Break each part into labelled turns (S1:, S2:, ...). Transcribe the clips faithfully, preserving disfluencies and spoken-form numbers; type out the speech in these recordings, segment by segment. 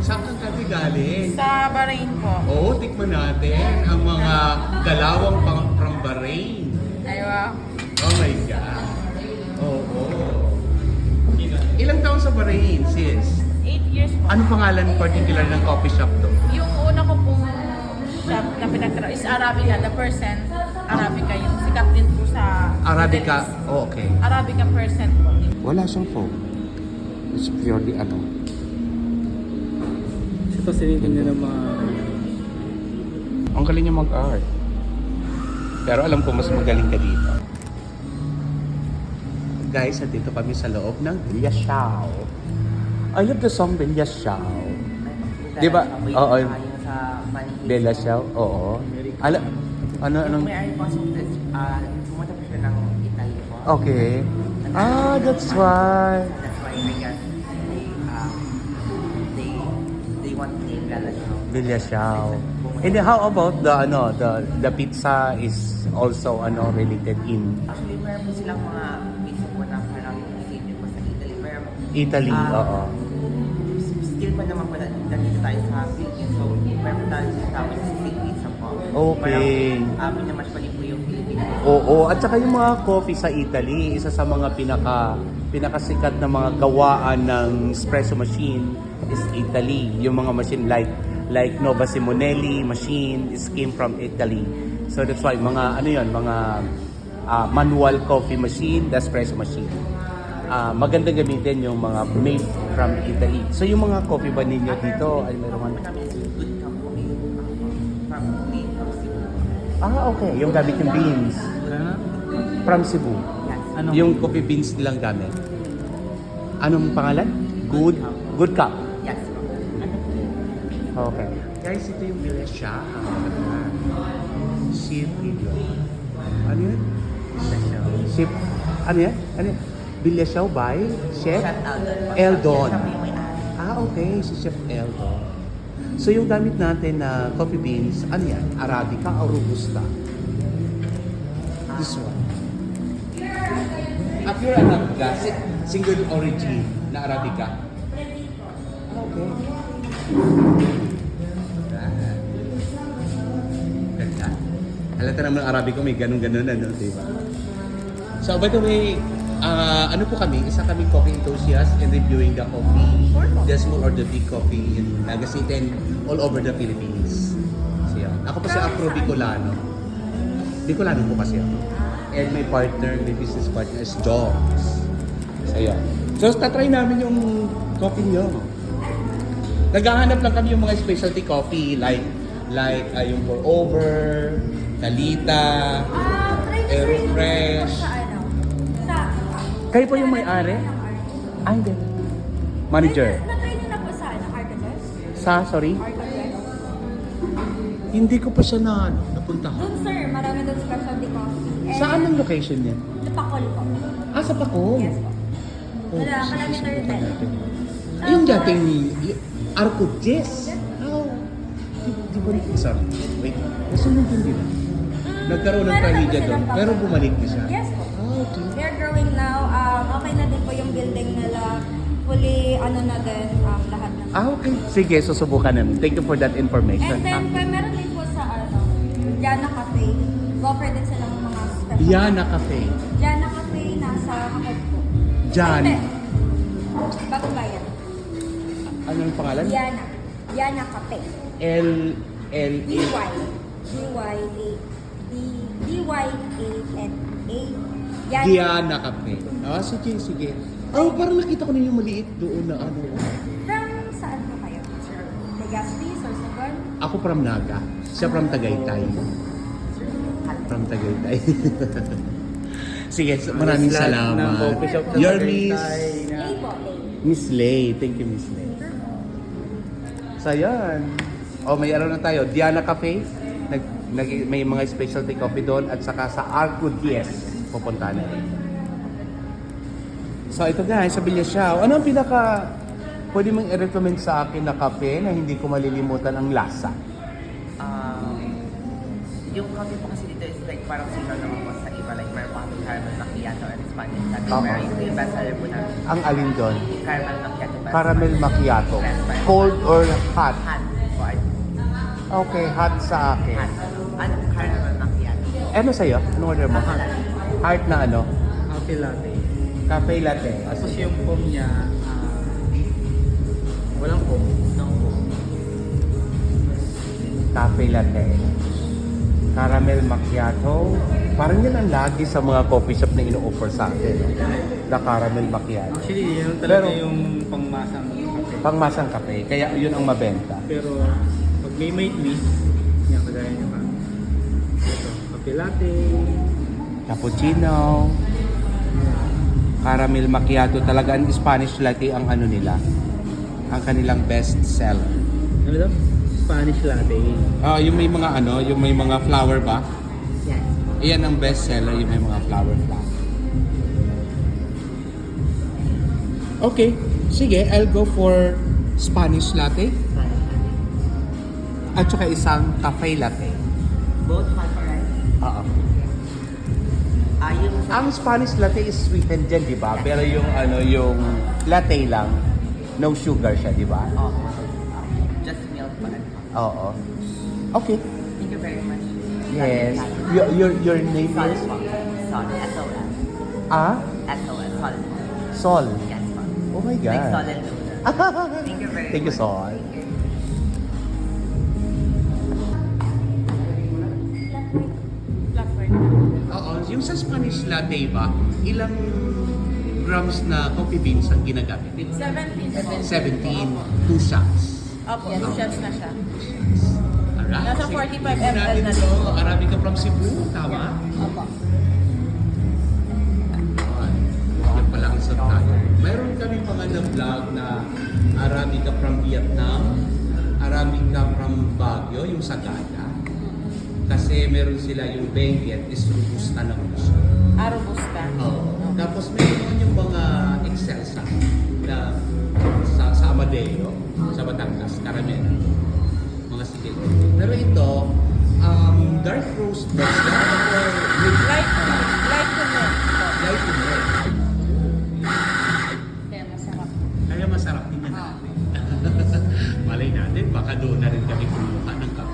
S1: Saan ang kape galing?
S2: Sa Bahrain po.
S1: Oo, tikman natin ang mga dalawang pang from Bahrain.
S2: Aywa.
S1: Oh my God. Oo. Ilang taon sa Bahrain, sis?
S2: Eight years po.
S1: Ano pangalan particular ng coffee shop to?
S2: Yung una ko pong shop na pinagtrabaho is Arabica, the percent. Arabica, yung sikat din po sa
S1: Arabica.
S2: Middle East.
S1: Oh, okay.
S2: Arabica percent po.
S1: Wala siyang foam. It's purely ano.
S3: Kasi fascinating nila mga...
S1: Ang galing niya mag-art. Pero alam ko mas magaling ka dito. Guys, nandito kami sa loob ng Villa Xiao. I love the song Villa Xiao. Di ba? Oo. Villa Xiao? Oo. Ala, ano, anong...
S4: May ay po uh, pumunta po siya ng Italy po.
S1: Okay. Ah, that's why.
S4: That's why I guess they, uh, they, they want to name Bella Ciao.
S1: Villa Xiao. And then how about the ano, the the pizza is also ano related in
S4: Actually, meron po silang mga pizza po na parang same po sa Italy. Pero,
S1: Italy?
S4: ah,
S1: Oo.
S4: still pa naman po na nandito tayo sa Philippines. So, meron po tayo sa tawag sa steak pizza po.
S1: Okay.
S4: Parang, uh, pinamash pa rin po yung Philippines.
S1: Oo, at saka yung mga coffee sa Italy, isa sa mga pinaka pinakasikat na mga gawaan ng espresso machine is Italy. Yung mga machine like like Nova Simonelli machine is came from Italy. So that's why mga ano yon, mga uh, manual coffee machine, the espresso machine. Uh, maganda gamitin yung mga made from Italy. So yung mga coffee ba ninyo dito ay mayroon
S4: Ang namin is good company. From made from Cebu.
S1: Ah, okay. Yung gamit yung beans
S3: Ah,
S1: from Cebu.
S4: Yes.
S3: ano?
S1: Yung coffee beans nilang gamit. Anong pangalan? Good Good Cup.
S4: Yes.
S1: Okay. Guys, ito yung Villa Xiao. Ship video. Ano yun? Ship. Ano yan? Ano yan? Villa Xiao by Chef
S4: Chef Eldon.
S1: Eldon.
S4: Siya po yung may-ari.
S1: Ah, okay. Si Chef Eldon. So yung gamit natin na coffee beans, ano yan? Arabica o Robusta? This one. Ah, pure Arabica. Si- Single origin na Arabica. Ah, okay. Ganda. Halata naman ang Arabica may ganun-ganun ano, di ba? So by the way, ah, ano po kami? Isa kaming coffee enthusiast and reviewing the coffee. The small or the big coffee in Naga City and all over the Philippines. So yun. Ako po si Afro Bicolano. Bicolano po kasi ako. And my partner, my business partner is Jogs. So yun. So tatry namin yung coffee nyo. Naghahanap lang kami yung mga specialty coffee like like uh, yung pour over, Talita,
S5: Ah, try na sir,
S1: Aerofresh.
S5: sa ano? Sa...
S1: Kayo po yung may-ari? Ah, hindi. Manager.
S5: Na-try niyo na po sa ano? Arcades?
S1: Sa, sorry?
S5: Arcades?
S1: Hindi ko pa siya na, ano, napuntahan.
S5: Doon sir, marami doon specialty coffee. And
S1: Saan ang location niya?
S5: Sa Pacol po.
S1: Ah, sa Pacol.
S5: Yes po.
S1: Oh,
S5: Wala,
S1: sige,
S5: kilometer
S1: subukan
S5: ten.
S1: natin. Ay, yung dating y- Arco Jess. Oh. Di, di ba rin? Sorry. Wait. Nasunod yun din. Nagkaroon ng
S5: Meron na po
S1: tragedya
S5: silang
S1: doon.
S5: Pacol.
S1: Pero bumalik na siya.
S5: Yes po.
S1: Ah, okay.
S5: They're growing now. Um, okay na din po yung building nila. Fully, ano na din, um, lahat na.
S1: Ah, okay. Sige, susubukan namin. Thank you for that information.
S5: And then,
S1: Ah.
S5: pa, meron din po sa ano, Jana Cafe. Go-offer din silang mga special.
S1: Yana Cafe.
S5: Jana Cafe, nasa Hakot po.
S1: Jan.
S5: Ay, hindi. Bagong bayan.
S1: Ano yung pangalan?
S5: Diana. Diana Cafe.
S1: L L
S5: D
S1: A.
S5: Y. D Y A. D D Y A N A.
S1: Diana Cafe. Ah, sige, sige. Oh, parang nakita ko na yung maliit doon na ano.
S5: From saan po kayo? Legazpi, Sorsogon?
S1: Ako from Naga. Siya from Tagaytay. From Tagaytay. Sige, so maraming
S3: Lahat ng
S1: salamat.
S3: coffee shop sa
S1: Your
S3: Tagaytay
S1: Miss
S3: na-
S5: A po, A.
S1: Miss Lay. Thank you, Miss Lay. So, yan. O, may araw na tayo. Diana Cafe. Nag, nag, may mga specialty coffee doon. At saka sa Arco Diez. Pupunta na rin. So, ito guys. Sa Villa Xiao. Ano ang pinaka... Pwede mong i-recommend sa akin na kape na hindi ko malilimutan ang lasa?
S4: Um, yung coffee po kasi dito is like parang similar naman po sa iba. Like meron pa kami caramel macchiato and Spanish latte.
S1: Oo.
S4: Pero ito yung best seller po namin.
S1: Ang alin doon?
S4: Caramel macchiato
S1: Caramel macchiato.
S4: Best buy.
S1: Cold or hot?
S4: Hot po. ay-
S1: Okay, hot sa akin.
S4: Hot. Ano? Caramel macchiato.
S1: Ano sa'yo? Ano order mo?
S4: Hot.
S1: Heart na ano?
S3: Cafe latte.
S1: Cafe latte.
S3: Tapos yung foam niya, ah, walang foam. No foam.
S1: Cafe latte. Caramel macchiato. Parang yan ang lagi sa mga coffee shop na ino-offer sa atin. No? Na caramel macchiato.
S3: Actually, yun talaga
S1: Pero-
S3: yung pangmasang kape.
S1: Pangmasang kape. Kaya yun ang mabenta.
S3: Pero pag may may twist, yan kagaya niya pa. Ito, cafe latte.
S1: Cappuccino. Caramel macchiato. Talaga ang Spanish latte ang ano nila. Ang kanilang best seller.
S3: Ano daw? Spanish latte.
S1: Ah, yung may mga ano, yung may mga flower ba?
S4: Yes.
S1: Iyan ang best seller, yung may mga flower flower. Okay, sige, I'll go for Spanish latte at saka isang cafe latte.
S4: Both hot or ice?
S1: Oo.
S4: Ah, yung sa...
S1: Ang Spanish latte is sweetened din, di ba? Pero yung ano, yung latte lang, no sugar siya, di ba?
S4: Oh, just milk pa rin.
S1: Oo. Okay.
S4: Thank you very much.
S1: Yes. Your your, your name
S4: Sol
S1: is
S4: po. Sol. S O L.
S1: Ah?
S4: S O L. Sol.
S1: Sol.
S4: Yes po.
S1: Oh my
S4: Like Sol
S1: God.
S4: and Luna. Thank you very
S1: Thank you,
S4: much.
S1: Sol.
S2: Black white.
S1: Oo, yung sa Spanish latte ba, ilang grams na coffee beans ang ginagamit?
S2: seventeen po.
S1: seventeen, two shots.
S2: Opo, two shots na siya.
S1: Alright.
S2: Nasa
S1: Sige.
S2: forty-five
S1: Tingnan natin
S2: milliliters na
S1: ito.
S2: din.
S1: Arabica from Cebu, tama?
S2: Opo.
S1: Ayun. Yan pala ang sot tayo. Mayroon kami mga na-vlog na Arabica from Vietnam, Arabica from Baguio, yung Sagada. Kasi meron sila yung Benguet is robusta na gusto.
S2: Ah, robusta.
S1: Oo. Tapos meron yung mga Excelsa na sa, sa Amadeo, sa Batangas, Caramel. Mga sigil. Pero ito, um, dark roast ba siya? Or mid-
S2: Light, light to milk po.
S1: light to milk?
S2: Kaya masarap.
S1: Kaya masarap din yan natin. Malay natin, baka doon na rin kami kumuha ng kape.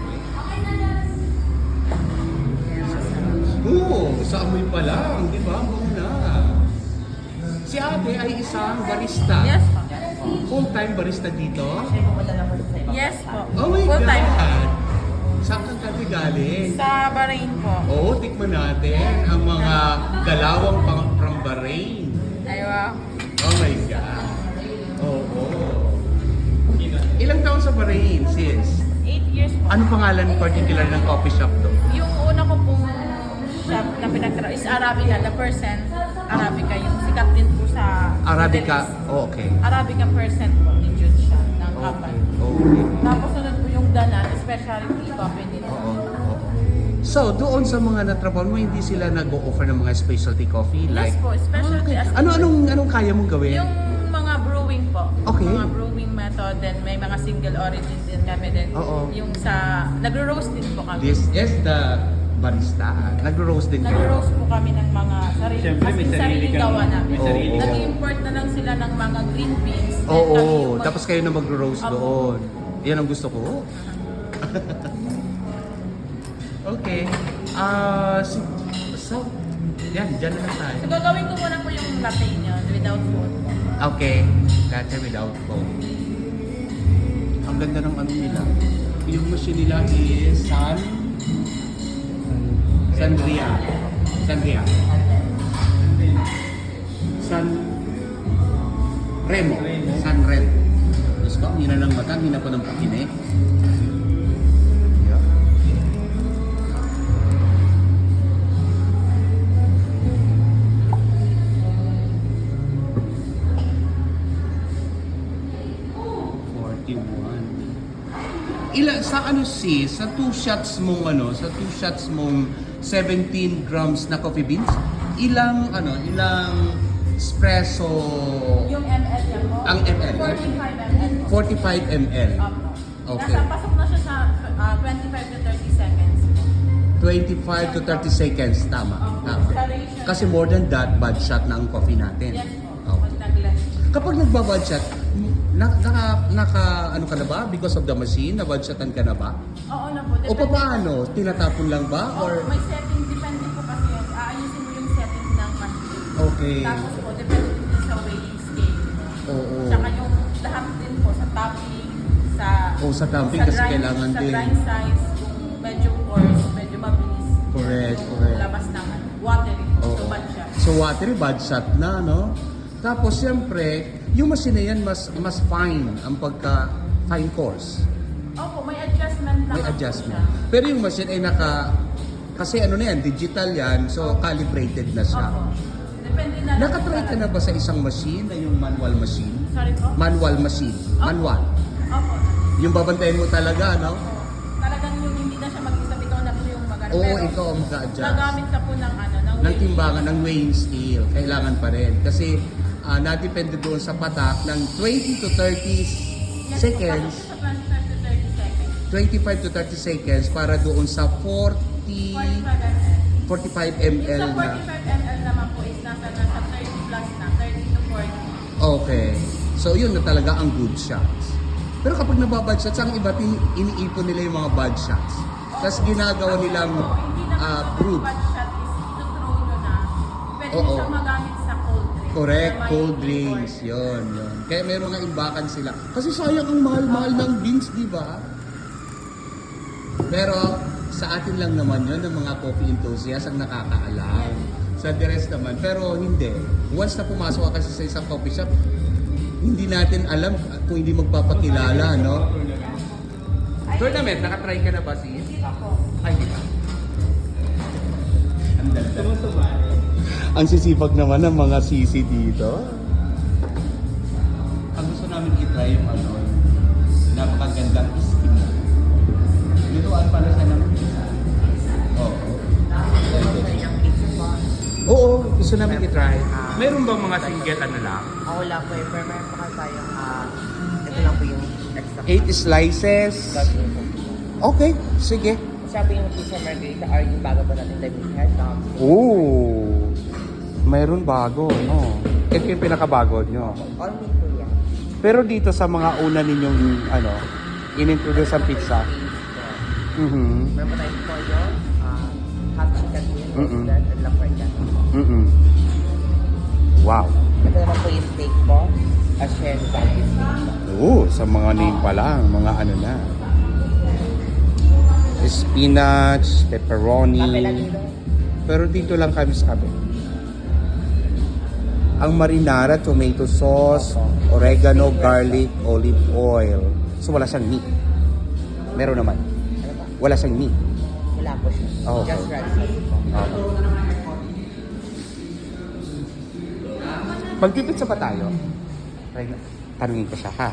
S1: Oo, sa amoy pa lang, di ba? Muna. Si ate ay isang barista.
S2: Yes po.
S1: Full-time barista dito.
S4: Actually, pumunta lang po sa ibang
S2: Yes
S4: bansa.
S2: po.
S1: Oh my
S2: Full time po.
S1: God! Saan kang kami galing?
S2: Sa Bahrain po.
S1: Oo, tikman natin ang mga galawang pang from Bahrain.
S2: Ay, wow.
S1: Oh my God! Oo. Ilang taon sa Bahrain, sis?
S2: Eight years po.
S1: Anong pangalan particular ng coffee shop to?
S2: Yung una ko pong shop na pinagtrabaho is Arabica, the percent Arabica. Yung sikat din po sa
S1: Arabica?
S2: Middle East.
S1: Oh, okay.
S2: Arabica percent po ni Jude siya ng
S1: Okay.
S2: kapal.
S1: Okay.
S2: Tapos sunod po yung Danan, specialty coffee nila.
S1: Oo. Oo. So, doon sa mga natrabaho mo, hindi sila nag-o-offer ng mga specialty coffee?
S2: Yes
S1: Like,
S2: po, specialty as
S1: ano anong anong kaya mong gawin?
S2: yung mga brewing po.
S1: Okay.
S2: Mga brewing method, then may mga single origin din kami din.
S1: Oo.
S2: Yung sa, nagro-roast din po kami.
S1: This is the barista. Nagro-roast din kayo.
S2: Nagro-roast po kami ng mga sarili,
S3: Siyempre,
S2: as
S3: may
S2: in
S3: sarili
S2: sariling
S3: kang-
S2: gawa namin.
S3: may sarili
S1: Oo.
S2: Nag-import na lang sila ng mga green beans. then
S1: Oo,
S2: kami yung mag-
S1: tapos kayo na magro-roast
S2: Opo.
S1: doon. Yan ang gusto ko. Okay. Ah, si so, yan, dyan na lang tayo.
S2: So gagawin ko muna po yung latte nyo without food.
S1: Okay, latte without foam. Ang ganda ng ano nila. Yung machine nila is San... Sandria. Sandria. San... Remo. San Remo. Diyos ko, hina ng mata, hina pa ng pakine. Yeah. forty-one. Ila sa ano si sa two shots mong ano, sa two shots mong seventeen grams na coffee beans, ilang ano, ilang espresso
S2: Yung M L niya po,
S1: Ang M L?
S2: forty-five milliliters po.
S1: forty-five milliliters.
S2: Opo.
S1: Okay.
S2: Nasa pasok na siya sa ah, twenty-five to thirty seconds.
S1: twenty-five to thirty seconds tama. Tama. Kasi more than that, bad shot na ang coffee natin.
S2: Yes po.
S1: Okay.
S2: Pag nag-less.
S1: Kapag nagbabad shot, Na, naka, naka, ano ka na ba? Because of the machine, na-budgetan ka na ba?
S2: Oo na po.
S1: O
S2: depende
S1: paano? Tinatapon lang ba?
S2: po.
S1: Or,
S2: Oo, may setting. Depende po kasi yun. Aayusin mo yung setting ng machine.
S1: okay.
S2: Tapos po, depende din sa weighing scale.
S1: Oo.
S2: Tsaka yung lahat din po sa topping, sa...
S1: O sa dumping
S2: sa
S1: kasi
S2: grind-
S1: kailangan
S2: sa
S1: din.
S2: grind size, kung medyo coarse, medyo mabilis.
S1: Correct, correct.
S2: Labas ng ano, watery.
S1: Oo.
S2: So, bad siya.
S1: So watery, bad shot na, no? Tapos siyempre, yung machine na yan mas mas fine ang pagka fine course.
S2: Opo, may adjustment lang.
S1: May
S2: po
S1: adjustment.
S2: siya.
S1: Pero yung machine ay naka kasi ano na yan, digital yan, so calibrated na siya.
S2: Opo. Depende na lang.
S1: Nakatry ka na ba sa isang machine na yung manual machine?
S2: Sorry po?
S1: Manual machine.
S2: Opo.
S1: Manual.
S2: Opo.
S1: Yung babantayan mo talaga, no?
S2: Opo. Talagang yung hindi na siya mag-isa, ikaw na po yung mag
S1: Oo,
S2: Pero
S1: ikaw ang mag-a-adjust.
S2: Gagamit ka po ng ano, ng
S1: Ng
S2: weighing.
S1: timbangan, ng weighing scale, kailangan pa rin. Kasi uh, nadepende doon sa patak ng twenty to thirty
S2: Yes,
S1: seconds,
S2: po, sa twenty-five to thirty seconds.
S1: twenty-five to thirty seconds para doon sa forty,
S2: forty-five
S1: forty-five
S2: milliliters. Yung
S1: milliliters
S2: sa
S1: na.
S2: forty-five milliliters naman po is nasa nasa thirty plus na, thirty to forty.
S1: Okay. So yun na talaga ang good shots. Pero kapag nababad shots, ang iba tin- iniipon nila yung mga bad shots. Tapos ginagawa nilang
S2: So, hindi na
S1: uh,
S2: po
S1: proof.
S2: bad shot is ito-throw nyo na. Pwede
S1: Oo.
S2: nyo siyang magamit sa cold drinks.
S1: Correct,
S2: Na may
S1: cold
S2: flavor.
S1: drinks, yun, yun. Kaya meron nga imbakan sila. Kasi sayang ang mahal-mahal ng beans, di ba? Pero sa atin lang naman yun, ng mga coffee enthusiasts ang nakakaalam. Sa the rest naman, pero hindi. Once na pumasok ka kasi sa isang coffee shop, hindi natin alam kung hindi magpapakilala, no? Tournament, nakatry ka na ba sis?
S2: Hindi pa po.
S1: Ay, di ba?
S3: Sumusumari.
S1: Ang sisipag naman ng mga sisi dito. Ang gusto namin i-try yung ano, napakagandang skin. Niluan pala siya ng Oo. Oo, gusto namin i-try. Meron bang mga single ano lang?
S4: Ako lang po eh, pero meron pa kasi tayong, ah, ito lang po yung extra.
S1: Eight slices. Okay, sige.
S4: Sabi yung pizza margarita or yung bago po natin, like head down.
S1: Oo. Mayroon bago, no? Ito yung pinakabago nyo.
S4: All meat po yan.
S1: Pero dito sa mga una ninyong, ano, in-introduce ang pizza. Mhm.
S4: Meron pa tayong pollo, ah, half chicken meal,
S1: Mm-mm.
S4: roasted, and lamprecha.
S1: Mhm. Wow.
S4: Ito naman po yung steak po, a share value steak po.
S1: Oo, sa mga name pa lang, mga ano na. Spinach, pepperoni.
S4: Kape lang dito.
S1: Pero dito lang kami sa kape. Ang marinara, tomato sauce, oregano, garlic, olive oil. So wala siyang meat. Meron naman.
S4: Ano ba?
S1: Wala siyang meat.
S4: Wala po siya.
S1: Oh,
S4: Just
S1: okay.
S4: red sauce po.
S1: Okay. Magpipitsa pa tayo. Try na. Tanungin ko siya, ha?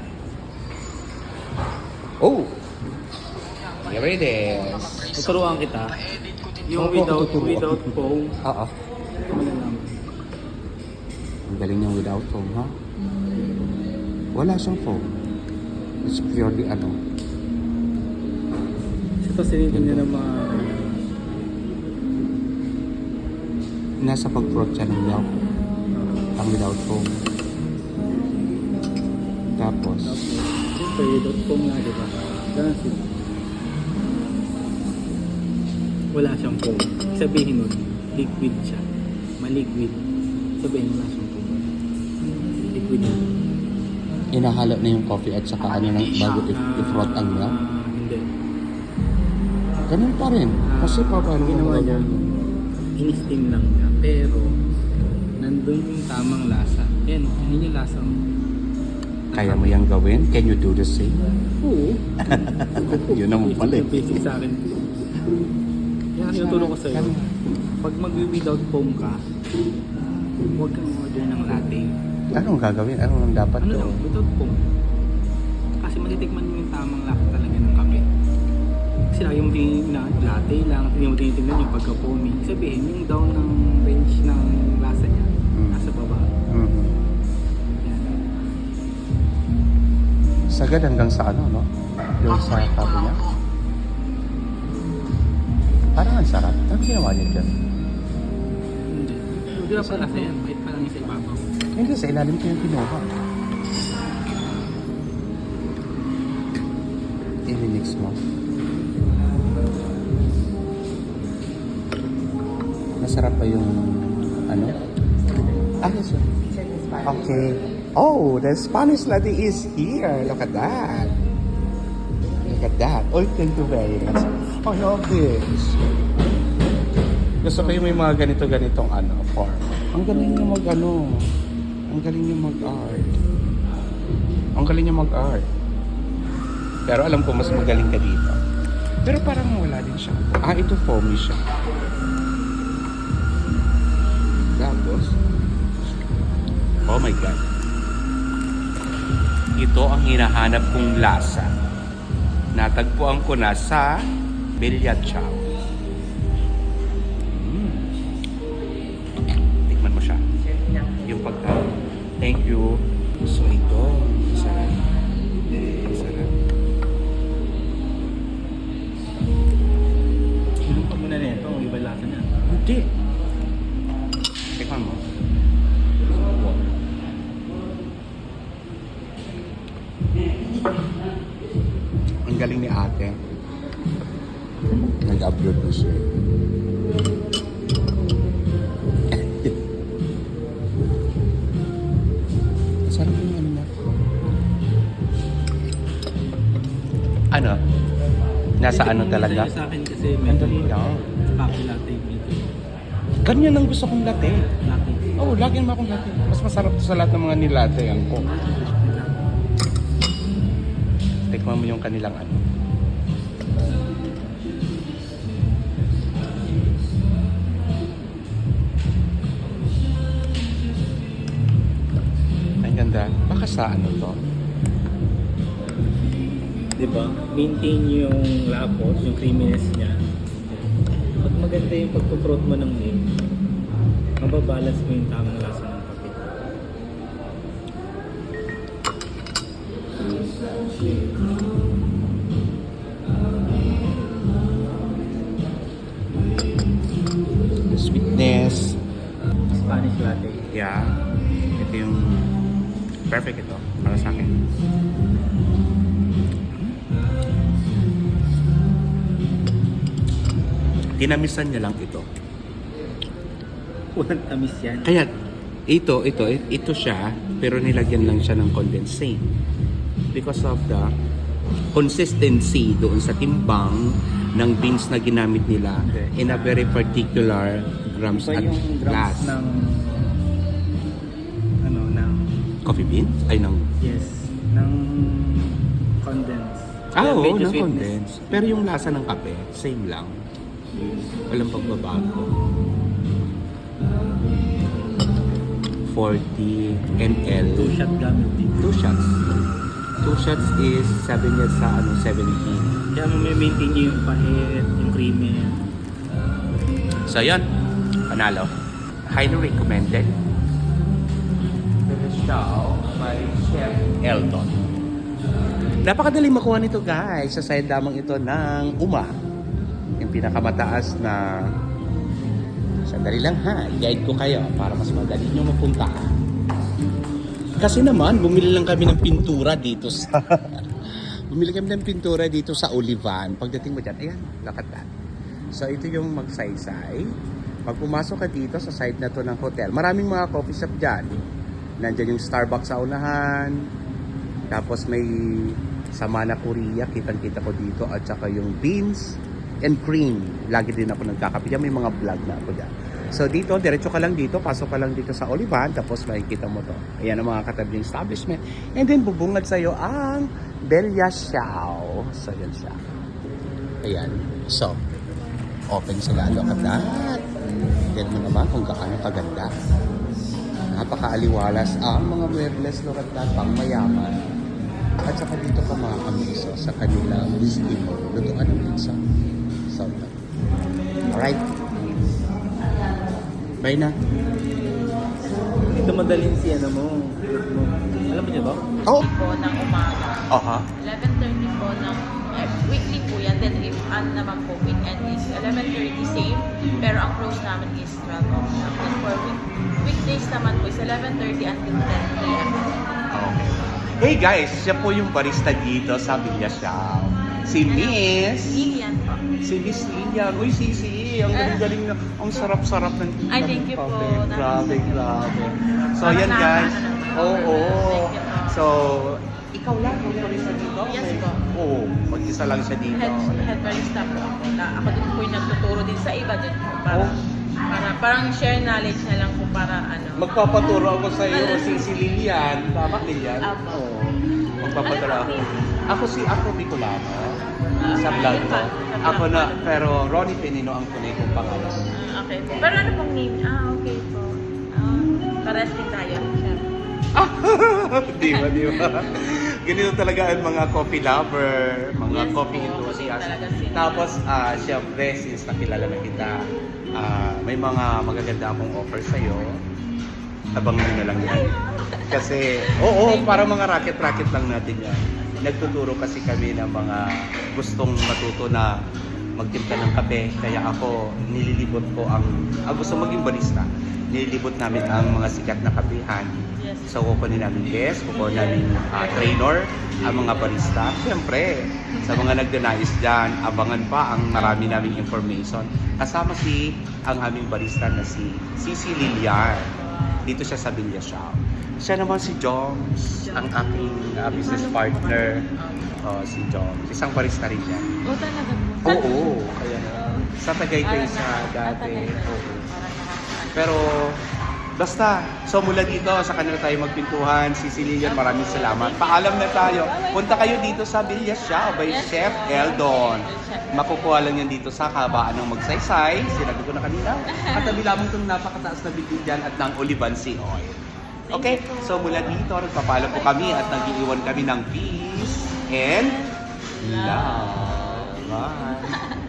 S1: Oh! Here it is.
S3: Tuturuan kita. Yung
S1: Opo,
S3: without
S1: tuturuan.
S3: without foam.
S1: Oo.
S3: Malalaman.
S1: Ang galing niyang without foam, ha? Wala siyang foam. It's purely ano.
S3: Ito sinitin ng mga
S1: Nasa pag-prot siya ng milk. Ang without foam. Tapos,
S3: Siyempre, without foam nga, di ba? Ganun sila. Wala siyang foam. Sabihin nun, liquid siya. Maliquid. Sabihin wala siyang foam. Liquid yun.
S1: inahalo na yung coffee at saka ano nang bago i-
S3: Ah,
S1: i-froth ang milk.
S3: Hindi.
S1: Ganun pa rin. Kasi pa paano
S3: Ang ginawa
S1: mo
S3: niya, in-steam lang niya. Pero, nandun yung tamang lasa. Yan, yun yung lasa mo.
S1: Kaya mo yung gawin? Can you do the same?
S3: Oo.
S1: Yun naman pala eh.
S3: Basic sa akin. Yan, tinutulong ko sa'yo. Pag mag-without foam ka, huwag kang order ng latte.
S1: Anong gagawin? Anong dapat
S3: Ano
S1: to?
S3: lang, without foam. Kasi matitikman mo yung tamang lasa talaga ng kape. Kasi lagi mo tingin na latte lang, hindi mo tinitingnan yung pagka-foamy. Sabihin, yung down ng range ng lasa niya,
S1: Mm.
S3: nasa baba.
S1: Mhm.
S3: Yan.
S1: Sagad hanggang sa ano, no? Yung sa kape niya. Parang ang sarap. Ano ginawa niya dyan?
S3: Hindi. Hindi pa lasa yan, bait pa lang yung sa ibabaw.
S1: Hindi, sa ilalim ko yung kinuha. I-mix mo. Masarap pa yung ano? Ah, yes, sir. Okay. Oh, the Spanish latte is here. Look at that. Look at that. Oh, thank you very much. I love this. Gusto ko yung may mga ganito-ganitong ano, form. Ang galing niya mag ano. Ang galing niya mag-art. Ang galing niya mag-art. Pero alam ko mas magaling ka dito. Pero parang wala din siya. Ah, ito foamy siya. Tapos, oh my God. Ito ang hinahanap kong lasa. Natagpuan ko na sa Bella Ciao. Mm. Tikman mo siya. Yung pagkain. Thank you. So ito, masarap. Masarap.
S3: Inom ka muna na ito, iba lasa na.
S1: Hindi. Tikman mo. Ang galing ni ate. Nag-upload na siya. Sarap yung ano na. Ano? Nasa ano talaga?
S3: Sa akin kasi
S1: Ang
S3: medyo
S1: dali lang.
S3: coffee latte medyo.
S1: Ganyan ang gusto kong latte.
S3: Latte.
S1: Oo, oh, lagi naman akong latte. Mas masarap to sa lahat ng mga nilatte yan ko. Tikman mo yung kanilang ano. Ang ganda. Baka sa ano to?
S3: Diba? Maintain yung lapot, yung creaminess niya. At maganda yung pagpuprot mo ng milk. Mababalance mo yung tamang lasa ng kape.
S1: The sweetness.
S3: Spanish latte.
S1: Yeah. Ito yung perfect ito para sa akin. Tinamisan niya lang ito.
S3: Walang tamis yan.
S1: Kaya ito, ito, ito siya, pero nilagyan lang siya ng condensate. Because of the consistency doon sa timbang ng beans na ginamit nila
S3: Okay.
S1: in a very particular grams
S3: Iba
S1: at
S3: yung
S1: glass.
S3: grams ng ano, ng
S1: Coffee bean? Ay, ng...
S3: yes, ng condense.
S1: Ah,
S3: Kaya
S1: oo,
S3: medyo
S1: ng
S3: sweetness.
S1: condense. Pero yung lasa ng kape, same lang. Walang pagbabago. forty milliliters.
S3: Two shot gamit dito.
S1: Two shots. Two shots is seven years sa ano, seventeen.
S3: Kaya mo may maintain nyo yung pahit, yung creamy.
S1: So, yun. Panalo. Highly recommended. The show by Chef Eldon. Napakadali makuha nito, guys. Sa side lamang ito ng Uma. Yung pinakamataas na... Sandali lang ha. Guide ko kayo para mas madali nyo mapunta. Kasi naman, bumili lang kami ng pintura dito sa... bumili kami ng pintura dito sa Olivan. Pagdating mo dyan, ayan, look at that. So, ito yung magsaysay. Pag pumasok ka dito sa side na to ng hotel, maraming mga coffee shop dyan. Nandyan yung Starbucks sa unahan. Tapos may Samana Korea, kitang-kita ko dito. At saka yung beans and cream. Lagi din ako nagkakape dyan. May mga vlog na ako dyan. So dito, diretso ka lang dito. Pasok ka lang dito sa Olivan. Tapos makikita mo to. Ayan ang mga katabing establishment. And then bubungad sa'yo ang Bella Ciao. So yan siya. Ayan. So, open sila. Look at that. Tignan mo naman kung gaano kaganda. Napakaaliwalas ang mga muebles. Look at that. Pang mayaman. At saka dito ka makakamiso sa kanilang whiskey mo. Lutuan ng pizza. So, alright. Bye na.
S3: Ito madaling si ano mo, fruit mo. Alam mo niyo ba?
S1: Oh!
S2: po ng umaga.
S1: Aha.
S2: eleven thirty po ng eh, weekly po yan. Then if ano naman po, weekend is eleven thirty same. Pero ang close namin is twelve o'clock. And for week, weekdays naman po is eleven thirty until ten p m
S1: Okay. Hey guys, siya po yung barista dito sa Bella Ciao. Si Miss.
S2: Lilian po.
S1: Si Miss Lilian. Uy, Sisi. Ang galing-galing na. Ang sarap-sarap ng
S2: Ay, thank you po.
S1: kape. Grabe, grabe. So,
S2: Parang
S1: yan guys.
S2: nakaka-
S1: Oo. Oh,
S2: Thank you po.
S1: So, ikaw lang kung barista dito?
S2: Yes
S1: Okay.
S2: po.
S1: Oo. Mag-isa lang siya dito.
S2: Head, head barista po ako. Na, ako din po yung nagtuturo din sa iba din po. Para,
S1: Oh.
S2: para, parang share knowledge na lang po para ano.
S1: Magpapaturo ako sa iyo
S2: Ano?
S1: si, si Lilian. Tama, Lilian?
S2: Apo.
S1: Oo. Magpapaturo
S2: Ano
S1: ako.
S2: po,
S1: Ako si Afro Bicolano.
S2: Ah,
S1: Sa
S2: okay.
S1: vlog ko.
S2: Sa vlog
S1: Ako
S2: ko.
S1: na, pero Ronnie Penino ang tunay kong pangalan.
S2: Ah, okay po. Pero ano pong name? Ah, okay po. Ah, pares din tayo. Chef.
S1: Di ba, di ba? Ganito talaga ang mga coffee lover, mga
S2: Yes
S1: coffee
S2: po,
S1: enthusiast.
S2: talaga sila.
S1: Tapos, ah syempre, since nakilala na kita, ah, may mga magaganda akong offer sa'yo. Tabang mo na lang yan. Kasi, oo, para mga racket-racket lang natin yan. Nagtuturo kasi kami ng mga gustong matuto na magtimpla ng kape. Kaya ako, nililibot ko ang, ang gusto maging barista. Nililibot namin ang mga sikat na kapehan.
S2: Yes.
S1: So, kukunin namin guest, kukunin namin ah, trainer, ang mga barista. Siyempre, sa mga nagdanais dyan, abangan pa ang marami naming information. Kasama si ang aming barista na si Sisi Lilian. Dito siya sa Villa Shop. Siya naman si Joms, ang aking ah, business partner. Oh, si Joms. Isang barista rin yan.
S2: Oh, talaga po.
S1: Oo, kaya na. Sa Tagaytay sa dati. Oo. Pero, basta, so mula dito, sa kanila tayo magpintuhan, si Lilian, maraming salamat. Paalam na tayo. Punta kayo dito sa Villa Shop by
S2: Yes,
S1: Chef
S2: po.
S1: Eldon.
S2: Chef.
S1: Makukuha lang yan dito sa kabaan ng Magsaysay. Sinabi ko na kanina. Katabi lamang itong napakataas na bigyan dyan at ng Olivancy Oil. Okay, so mula dito, nagpapaalam po kami at nag-iiwan kami ng peace and love. Bye.